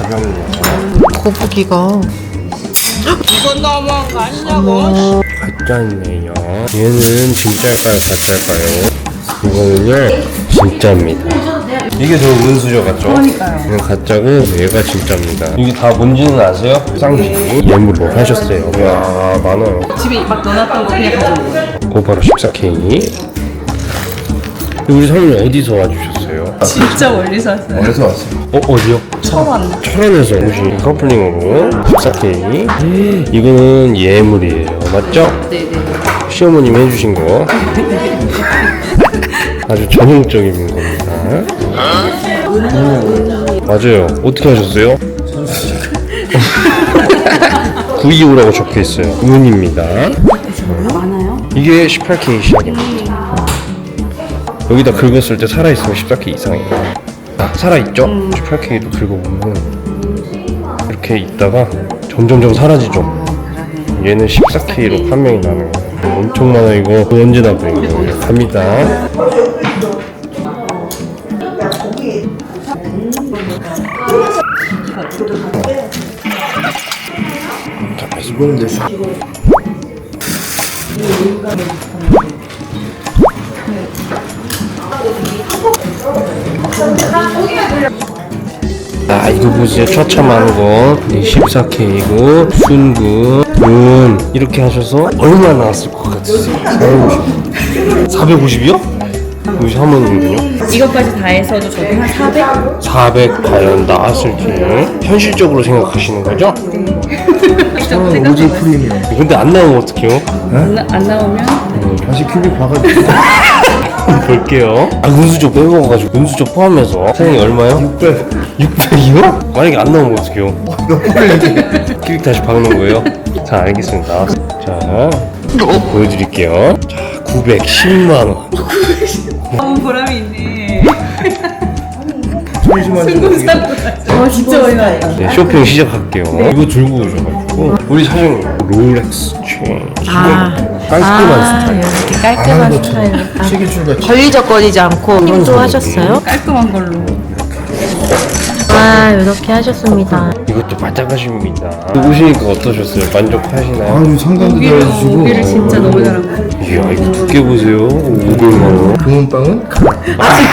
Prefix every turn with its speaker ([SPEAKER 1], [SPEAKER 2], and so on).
[SPEAKER 1] 가볍네요.
[SPEAKER 2] 거북이가
[SPEAKER 3] 이건 너무한 거 아니냐고.
[SPEAKER 1] 가짜네요. 얘는 진짜일까요, 가짜일까요? 이거는요, 진짜입니다. 이게 더 은수저 같죠?
[SPEAKER 3] 그러니까요.
[SPEAKER 1] 이건 가짜고 얘가 진짜입니다. 이게 다 뭔지는 아세요? 쌍지 예물로 하셨어요. 이야, 많아요.
[SPEAKER 3] 집에 막 넣어놨던 거 그냥 가져온 거예요.
[SPEAKER 1] 그거 바로 14K. 우리 사모님 어디서 와주셨어요?
[SPEAKER 3] 진짜 멀리서 왔어요.
[SPEAKER 1] 어디서 왔어요? 어디요?
[SPEAKER 3] 철원.
[SPEAKER 1] 철원에서 오신 커플링으로 14K. 이거는 예물이에요. 맞죠?
[SPEAKER 3] 네네.
[SPEAKER 1] 시어머님이 해주신 거. 아주 전형적인 겁니다. 맞아요. 어떻게 하셨어요? 925라고 적혀 있어요. 은입니다.
[SPEAKER 3] 많아요?
[SPEAKER 1] 이게 18K 시작입니다. 여기다 긁었을 때 살아있으면 14K 이상이에요. 살아있죠? 18K도 긁어보면 이렇게 있다가 점점점 사라지죠. 얘는 14K로 판명이 나는 거예요. 엄청 많아. 이거 언제 나버린 거예요? 갑니다. 자, 이거는 내 이거 보세요. 처참한 거 14K고 순금 은 이렇게 하셔서 얼마 나왔을 것 같으세요? 450이요? 여기 사모님은요?
[SPEAKER 3] 이것까지 다 해서도 저도 한 400?
[SPEAKER 1] 400 과연 나왔을지 현실적으로 생각하시는 거죠?
[SPEAKER 3] 오직
[SPEAKER 1] 프리미엄. 근데 안 나오면 어떡해요?
[SPEAKER 3] 안 나오면
[SPEAKER 1] 다시 큐빅 봐가지고 볼게요. 은수저 빼먹어가지고 은수저 포함해서 사장님 얼마요? 600이요? 만약에 안 나오면 어떡해요? 큐빅 다시 박는 거예요? 자, 알겠습니다. 자, 보여드릴게요. 자, 910만원.
[SPEAKER 3] 너무 보람이 있네.
[SPEAKER 1] 잠시만요.
[SPEAKER 3] 진짜 많이 나왔다.
[SPEAKER 1] 네, 쇼핑 시작할게요. 이거 들고 오셔가지고 우리 사장님 롤렉스 체인 깔끔한 스타일.
[SPEAKER 2] 이렇게 깔끔한 스타일로 걸리적거리지 않고 힘도 하셨어요?
[SPEAKER 3] 깔끔한 걸로.
[SPEAKER 2] 이렇게 하셨습니다.
[SPEAKER 1] 이것도 바짝하십니다. 오시니까 어떠셨어요? 만족하시나요?
[SPEAKER 4] 아유 상담도 잘해주시고
[SPEAKER 3] 고기를 진짜 너무 잘한 거.
[SPEAKER 1] 이야, 이거 두께 보세요. 500만원.
[SPEAKER 4] 금은빵은?